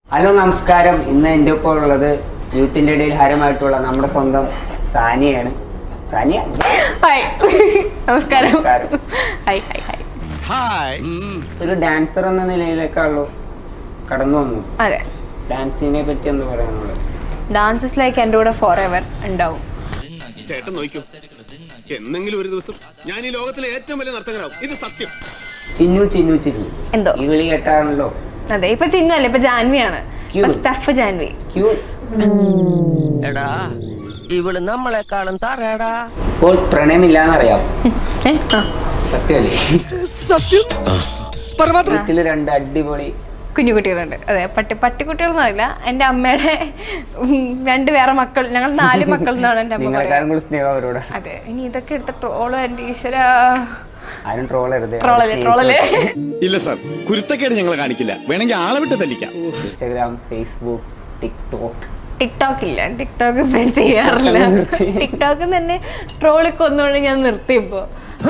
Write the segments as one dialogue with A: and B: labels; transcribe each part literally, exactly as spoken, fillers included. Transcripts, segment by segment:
A: Hello നമസ്കാരം. ഇന്ന് എൻ്റെ ഒപ്പം ഉള്ളത് യൂത്തിന്റെ ഇടയിൽ ഹരമായിട്ടുള്ള നമ്മുടെ സ്വന്തം സാനിയാണ്. സാനിയ
B: ഹായ്. നമസ്കാരം. Hi hi hi.
A: ഒരു ഡാൻസർ എന്ന നിലയിലേക്കാണല്ലോ കടന്നു വന്നു.
B: അതെ.
A: ഡാൻസിനെ പറ്റി എന്താ പറയാനുള്ളത്?
B: ഡാൻസസ് ലൈക്ക് എൻ്റെ കൂടെ ഫോർ എവർ ഉണ്ടാവും.
C: ചേട്ടൻ നോക്കൂ, എന്നെങ്കിലും ഒരു ദിവസം ഞാൻ ഈ ലോകത്തിലെ ഏറ്റവും വലിയ നർത്തകനാവും. ഇത് സത്യം.
A: ചിന്നു ചിന്നു ചിന്നു
B: എന്തോ
A: ഈ വിളി കേട്ടാണല്ലോ.
B: അതെ, ഇപ്പൊ ചിന്നു അല്ല, ഇപ്പൊ ജാൻവിയാണ്. സ്റ്റഫ് ജാൻവി.
D: എടാ ഇവള് നമ്മളെക്കാളും തറയടാ.
A: ഇപ്പോൾ പ്രണയമില്ലാന്നറിയാം. സത്യമല്ലേ? വീട്ടില് രണ്ട് അടിപൊളി
B: കുഞ്ഞു കുട്ടികളുണ്ട്. അതെ, പട്ടി പട്ടിക്കുട്ടികളൊന്നും അറിയില്ല. എൻ്റെ അമ്മയുടെ രണ്ട് വേറെ മക്കൾ, ഞങ്ങൾ നാല് മക്കൾ എന്നാണ് എൻ്റെ അമ്മ പറയുന്നത്.
A: സ്നേഹം അവരോട്.
B: അതെ, ഇനി ഇതൊക്കെ എടുത്ത ട്രോളോ എൻ്റെ ഈശ്വര.
A: ആരും ട്രോളരുത്.
B: ട്രോളല്ലേ ട്രോളല്ലേ.
C: ഇല്ല സാർ, കുരുത്തക്കേട് ഞങ്ങൾ കാണിക്കില്ല. വേണമെങ്കിൽ ആളെ വിട്ട് തല്ലിക്കാം.
A: Instagram, Facebook, TikTok.
B: ടിക്ടോക്ക് ഇല്ല, ടിക്ടോക്ക് ഇപ്പം ചെയ്യാറില്ല. ടിക്ടോക്ക് തന്നെ ട്രോളി കൊന്നുകൊണ്ട് ഞാൻ നിർത്തിയപ്പോ.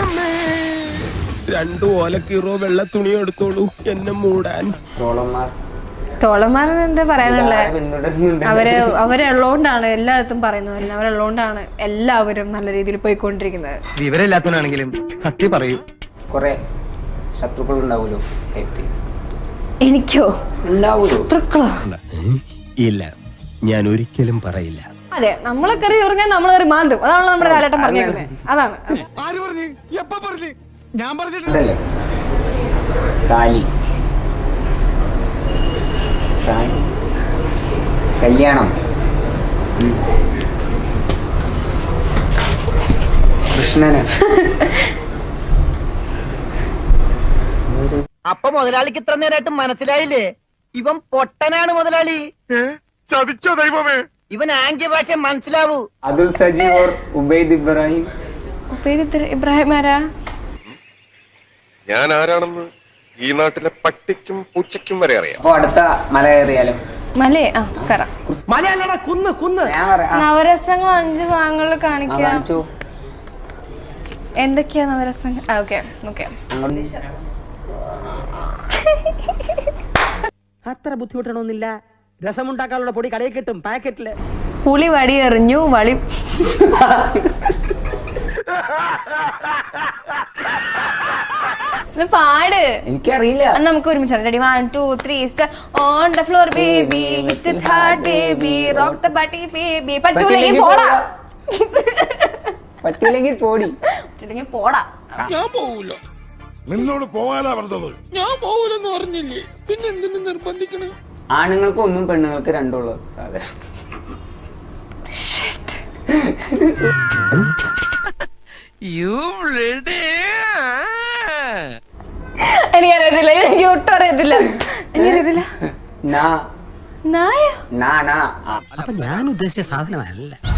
D: രണ്ടു ഓലക്കീറോ വെള്ള തുണി എടുത്തോളൂ എന്നെ മൂടാൻ.
A: ട്രോളന്മാർ
B: ട്രോളന്മാരെന്ന് എന്താ പറയാനുള്ളത്?
A: പിന്തുടരുന്നുണ്ട്.
B: അവര് അവരുള്ളതുകൊണ്ടാണ് എല്ലായിടത്തും പറയുന്നത്. അവരുള്ളതുകൊണ്ടാണ് എല്ലാവരും നല്ല രീതിയിൽ പോയിക്കൊണ്ടിരിക്കുന്നത്.
D: വിവരമില്ലാത്തവനാണെങ്കിലും സത്യം പറയൂ.
A: കൊറേ ശത്രുക്കൾ ഉണ്ടാവൂലോ.
B: എനിക്കോ
A: ഉണ്ടാവൂലോ
B: ശത്രുക്കളോ?
D: ഇല്ല, ഞാൻ ഒരിക്കലും പറയില്ല.
B: അതെ, നമ്മളെ കറി ഉറങ്ങാൻ നമ്മൾ കറി മാന്തും. അതാണ് നമ്മുടെ ലാലേട്ടൻ പറഞ്ഞിരുന്നത്. അതാണ്
C: ഞാൻ പറഞ്ഞിട്ടില്ല.
A: താലി താലി കല്യാണം, കൃഷ്ണന്.
E: അപ്പൊ മുതലാളിക്ക് ഇത്ര നേരമായിട്ട് മനസ്സിലായില്ലേ? ഇവൻ പൊട്ടനാണ് മുതലാളി.
C: ചതിച്ചോ ദൈവമേ.
E: ഇവൻ ആംഗ്യ ഭാഷ മനസ്സിലാവൂ.
A: അതുൽ സജീവ് ഓർ ഉബൈദ് ഇബ്രാഹിം.
B: ഉബൈദ് ഇബ്രാഹിം ആരാ?
F: ഞാൻ ആരാണെന്ന് ഈ നാട്ടിലെ പട്ടിക്കും പൂച്ചയ്ക്കും വരെ അറിയാം.
A: അപ്പൊ അടുത്ത മല കയറിയാലോ?
B: മലേ ആ കയറാം.
E: മലയല്ലടാ, കുന്ന് കുന്ന്.
A: ഞാൻ പറയാം.
B: നവരസങ്ങൾ അഞ്ച് ഭാഗങ്ങളിൽ കാണിക്കാം.
A: കാണിച്ചു.
B: എന്തൊക്കെയാ നവരസങ്ങൾ? Okay okay.
E: അത്ര ബുദ്ധിമുട്ടണമെന്നില്ല. രസമുണ്ടാക്കാനുള്ള പൊടി കടയിൽ കിട്ടും, പാക്കറ്റില്.
B: പുളി വടി എറിഞ്ഞു വളി. പാട്.
A: എനിക്കറിയില്ല.
B: നമുക്ക് ഒരുമിച്ച് ready. One two three star. On the floor baby, hit it hard baby, rock the body baby. പറ്റൂലെങ്കിൽ പോടാ.
A: പറ്റൂലെങ്കിൽ പോടി.
B: പറ്റൂലെങ്കിൽ പോടാ.
G: ഞാൻ പോവൂല. നിന്നോട് പോകാനാ പറഞ്ഞത്. ഞാൻ പോവൂലെന്ന് പറഞ്ഞില്ലേ, പിന്നെ എന്തിനു നിർബന്ധിക്കണം?
A: ആണുങ്ങൾക്ക് ഒന്നും പെണ്ണുങ്ങൾക്ക് രണ്ടുള്ളൂ സാധനം.
B: എനിക്കറിയത്തില്ല, എനിക്ക് ഒട്ടും അറിയത്തില്ല. എനിക്കറിയത്തില്ല.
A: നാ
B: നായോ?
A: നാ നാ.
E: അപ്പൊ ഞാൻ ഉദ്ദേശിച്ച സാധനമല്ല.